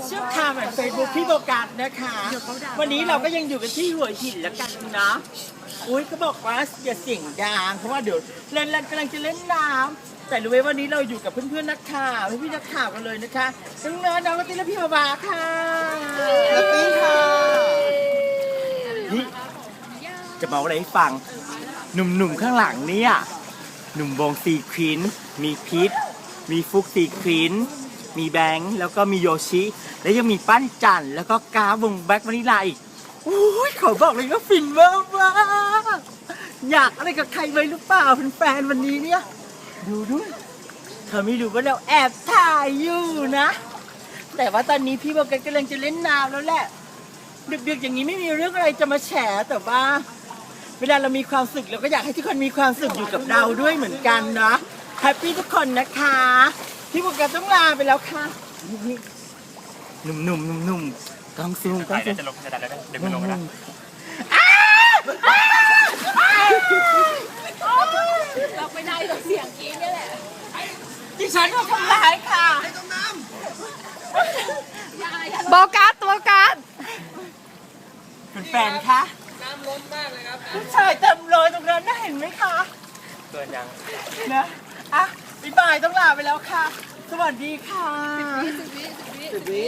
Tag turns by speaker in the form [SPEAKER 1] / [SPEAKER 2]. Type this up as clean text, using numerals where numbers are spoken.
[SPEAKER 1] เชียลคามเฟซบุ๊กพี่โบกัสนะคะวันนี้เราก็ยังอยู่กันที่หัวหินแล้วกันนะอุ้ยเขาบอกว่าอย่าเสียงดังเพราะว่าเดี๋ยวเล่นกำลังจะเล่นน้ำแต่รู้ไหมวันนี้เราอยู่กับเพื่อนๆนักข่าวพี่นักข่าวกันเลยนะคะน้องเนิร์ดน้องกติและพี่บาค่ะกติค่ะนี่จะมาอะไรให้ฟังหนุ่มๆข้างหลังเนี่ยหนุ่มวงซีควินมีพิษมีฟุกซีควินมีแบงค์แล้วก็มีโยชิและยังมีปั้นจันแล้วก็กาวงแบ็ควานิลาอีกอุ้ยเขาบอกเลยว่าฟินมากว่าอยากอะไรกับใครไว้หรือเปล่าเป็นแฟนวันนี้เนี่ยดูด้วยเธอไม่รู้ว่าเราแอบถ่ายอยู่นะแต่ว่าตอนนี้พี่โบกัสกำลังจะเล่นน้ำแล้วแหละดึกๆอย่างนี้ไม่มีเรื่องอะไรจะมาแฉแต่ว่าเวลาเรามีความสุขเราก็อยากให้ทุกคนมีความสุขอยู่กับเราด้วยเหมือนกันนะแฮปปี้ทุกคนนะคะพี่โบกัสต้องลาไปแล้วค่ะหนุ่มกองซูมกองซูม
[SPEAKER 2] จะลงจะดันแล้วเดี๋ยวมันลงนะ
[SPEAKER 3] เราไม่ได้หรอกเสียงกรี๊ดนี่แหละ
[SPEAKER 1] ดิฉันก็ทำร้ายค่ะ
[SPEAKER 3] โบกัสตัวกัส
[SPEAKER 1] เป็นแฟนคะน้ำล้นมากเลยครับผู้ชายเต็มเลยตรงนั้นน่าเห็นไหมคะ
[SPEAKER 2] เกินยัง
[SPEAKER 1] นะอ่ะบ๊ายบายต้องลาไปแล้วค่ะ สวัสดีค่ะ
[SPEAKER 3] 10 วิ